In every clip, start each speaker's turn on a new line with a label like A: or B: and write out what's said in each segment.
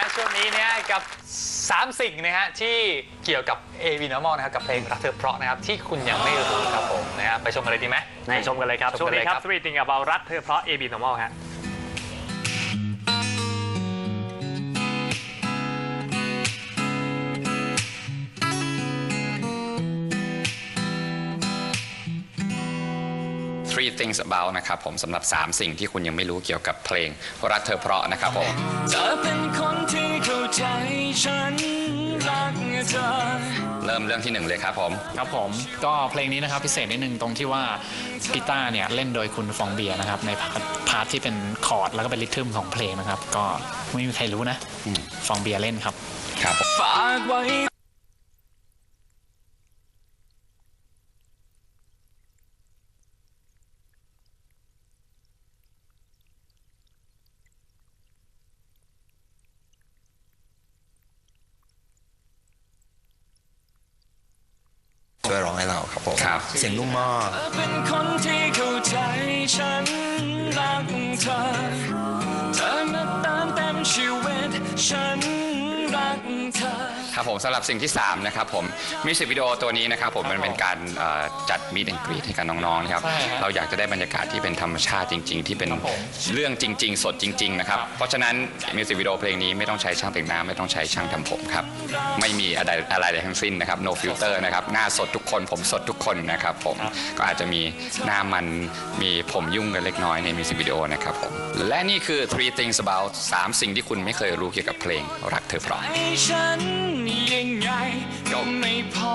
A: ช่วงนี้เนี่ยกับ3สิ่งนะฮะที่เกี่ยวกับ AB Normal นะครับกับเพลงรักเธอเพราะนะครับที่คุณยังไม่รู้ครับผมนะฮะไปชมกันเลยดีไหม
B: ไปชมกันเลยครับช่วงนี้ครับ Three Things About รักเธอเพราะ AB Normal ฮะ
C: Three Things About นะครับผมสำหรับ3สิ่งที่คุณยังไม่รู้เกี่ยวกับเพลงรักเธอเพราะนะครับผมเธอเป็นคนที่เข้าใจฉันรักเธอเริ่มเรื่องที่1เลยครับผม
D: ก็เพลงนี้นะครับพิเศษนิดนึงตรงที่ว่ากีตาร์เนี่ยเล่นโดยคุณฟองเบียร์นะครับในพาร์ทที่เป็นคอร์ดแล้วก็เป็นริทึมของเพลงนะครับก็ไม่มีใครรู้นะฟองเบียร์เล่นครับ
C: ฝากไว้ช่วยร้องให้เราครับผมเสียงนุ่มมากเป็นคนที่เข้าใจฉันรักเธอมาเติมเต็มชีวิตฉันรักเธอครับผมสำหรับสิ่งที่3นะครับผมมิวสิกวิดีโอตัวนี้นะครับผมมันเป็นการจัดมีดแอนกรีดให้กับน้องๆนะครับเราอยากจะได้บรรยากาศที่เป็นธรรมชาติจริงๆที่เป็นเรื่องจริงๆสดจริงๆนะครับเพราะฉะนั้นมิวสิกวิดีโอเพลงนี้ไม่ต้องใช้ช่างแต่งหน้าไม่ต้องใช้ช่างทำผมครับไม่มีอะไรทั้งสิ้นนะครับ no filter นะครับหน้าสดทุกคนผมสดทุกคนนะครับผมก็อาจจะมีหน้ามันมีผมยุ่งกันเล็กน้อยในมิวสิกวิดีโอนะครับผมและนี่คือ Three Things About 3 สิ่งที่คุณไม่เคยรู้เกี่ยวกับเพลงรักเธอเพราะยังไงก็ไม่พอ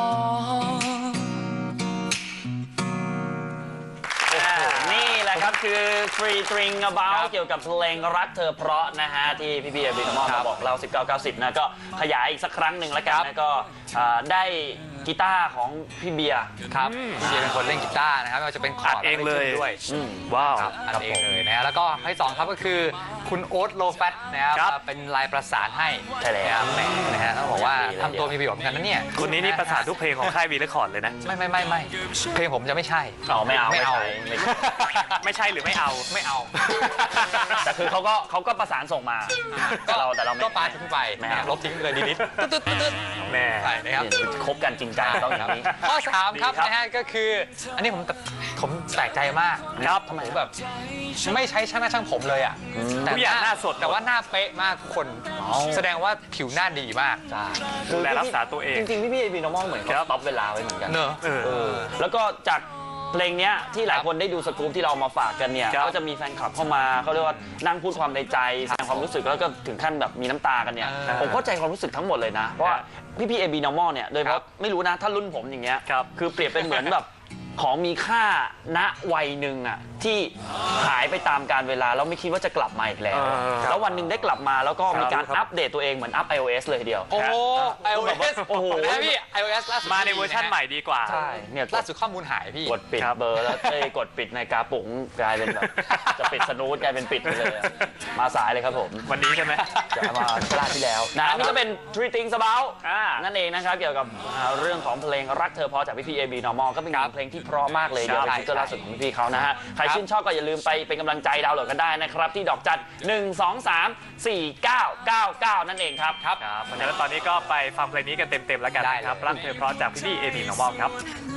B: นี่แหละครับคือ Three Things About เกี่ยวกับเพลงรักเธอเพราะนะฮะที่พี่AB Normalมาบอกเรา1990นะก็ขยายอีกสักครั้งหนึ่งแล้วกันนะก็ได้กีตาร์ของพี่เบียร์
A: ครับพี่เบียร์เป็นคนเล่นกีตาร์นะครับก็จะเป็นคอร์ด
B: เองเลย
A: ด้วย
B: ว้าว
A: อัดเองเลยนะฮะแล้วก็ให้2ครับก็คือคุณโอ๊ตโลแฟตนะครับเป็นลายประสานให้
B: ใช่แล้ว
A: นะฮะต้องบอกว่าทำตัวมีประโยชน์เหมือนกันนะเนี่ย
B: คนนี้นี่ประสานทุกเพลงของค่ายวีเรคคอร์ดเลยนะ
A: ไม่เพลงผมจะไม่ใช่
B: ไม่เอาไม่ใช่หรือไม่เอาแต่คือเขาก็ประสานส่งมาแต่เรา
A: ก็ปาทิ้งไปลบทิ้งเลยนิดตึ๊ด
B: แม่
A: นะครับ
B: คบกันจริงจังต้องอย่างนี้
A: ข้อ3ครับนะฮะก็คืออันนี้ผมแปลกใจมาก
B: ครับ
A: ทำไมแบบไม่ใช้ช่างผมเลยอ่ะ
B: แต่หน้าสด
A: แต่ว่าหน้าเป๊ะมากคนแสดงว่าผิวหน้าดีมาก
B: ดูแลรักษาตัวเองจริงๆพี่AB Normalเหมือนเขาต็อปเวลาไว้เหมือนกัน
A: เนอะ
B: แล้วก็จากเพลงนี้ที่หลายคนได้ดูสกู๊ปที่เรามาฝากกันเนี่ยก็จะมีแฟนคลับเข้ามาเขาเรียกว่านั่งพูดความในใจแสดงความรู้สึกแล้วก็ถึงขั้นแบบมีน้ำตากันเนี่ยผมเข้าใจความรู้สึกทั้งหมดเลยนะเพราะพี่AB Normalเนี่ยโดยเฉพาะไม่รู้นะถ้ารุ่นผมอย่างเงี้ยคือเปรียบเป็นเหมือนแบบของมีค่าณวัยหนึ่งอ่ะที่หายไปตามกาลเวลาแล้วไม่คิดว่าจะกลับมาอีกแล้วแล้ววันหนึ่งได้กลับมาแล้วก็มีการอัปเดตตัวเองเหมือนอัพ iOS เลยทีเดียว
A: โอ้โห iOS
B: โอ้โห
A: พี่ iOS ล่าสุด
B: มาในเวอร์ชันใหม่ดีกว่า
A: ใช่เนี่ยล่าสุดข้อมูลหายพี่
B: กดปิดเบอร์แล้วกดปิดในกาปุ๋งกลายเป็นแบบจะปิดสนูทกลายเป็นปิดไปเลยมาสายเลยครับผมวันนี้ใช่ไหมจะมาชาติที่แล้วนะนี่ก็เป็น Three Things About นั่นเองนะครับเกี่ยวกับเรื่องของเพลงรักเธอเพราะจากพี่AB Normal ก็เป็นเพลงที่เพราะมากเลยเดี๋ยวไปซิงเกิลล่าสุดของพี่เขานะฮะใครชื่นชอบก็อย่าลืมไปเป็นกำลังใจดาวน์โหลดกันได้นะครับที่ดอกจัน 1234999 นั่นเองครับเพราะฉะนั้นตอนนี้ก็ไปฟังเพลงนี้กันเต็มๆแล้วกันนะครับรักเธอเพราะจากพี่AB Normal ครับ